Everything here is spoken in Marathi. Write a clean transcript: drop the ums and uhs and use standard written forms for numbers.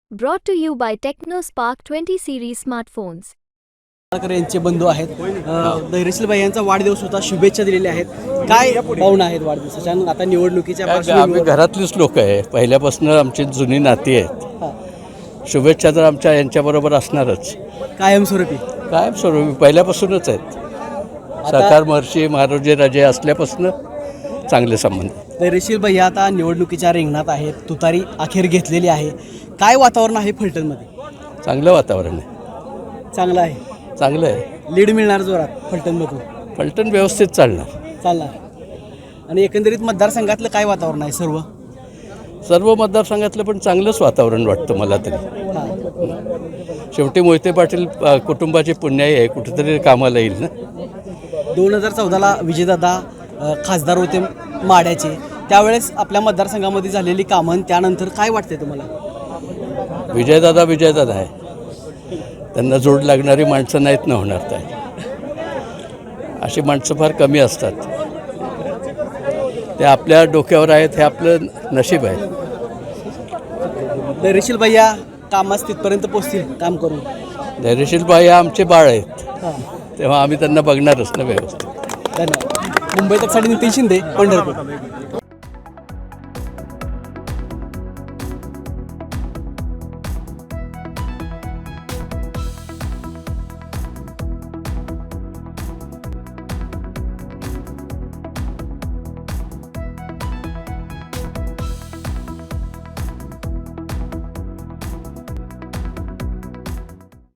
Brought to you by TechnoSpark 20 series smartphones. यांचे बंधू आहेत धैर्यशील भाई यांचा वाढदिवस होता, शुभेच्छा दिलेल्या आहेत. काय भावना आहेत वाढदिवसाच्या? आता निवडणुकीच्या आम्ही पार्श्वभूमीवर घरातलीच लोक आहे, पहिल्यापासून आमची जुनी नाती आहेत. शुभेच्छा तर आमच्या यांच्याबरोबर असणारच, कायमस्वरूपी कायमस्वरूपी पहिल्यापासूनच आहेत. सरकार महर्षी महाराजे राजे असल्यापासून चांगले संबंध. धैर्यशील भाई आता निवडणुकीच्या रिंगणात आहेत, तुतारी अखेर घेतलेली आहे. काय वातावरण आहे फलटणमध्ये? चांगलं वातावरण आहे, चांगलं आहे, चांगलं आहे. लीड मिळणार जोरात फलटणमधून? फलटण व्यवस्थित चालणार. आणि एकंदरीत मतदारसंघातलं काय वातावरण आहे? सर्व मतदारसंघातलं पण चांगलंच वातावरण वाटतं मला तरी. शेवटी मोहिते पाटील कुटुंबाची पुण्याई आहे, कुठेतरी कामाला येईल ना. 2014ला विजयदादा खासदार होते माड्याचे, त्यावेळेस आपल्या मतदारसंघामध्ये झालेली कामं, त्यानंतर काय वाटते तुम्हाला? विजयदादा आहे, त्यांना जोड लागणारी माणसं नाहीत ना होणार. काय अशी माणसं फार कमी असतात, ते आपल्या डोक्यावर आहेत, हे आपलं नशीब आहे. धैर्यशील भैया कामास तिथपर्यंत पोचतील काम करून? धैर्यशील भाई आमचे बाळ आहेत, तेव्हा आम्ही त्यांना बघणारच ना व्यवस्थित. धन्यवाद. मुंबई तकसाठी नितीन शिंदे, पंढरपूर.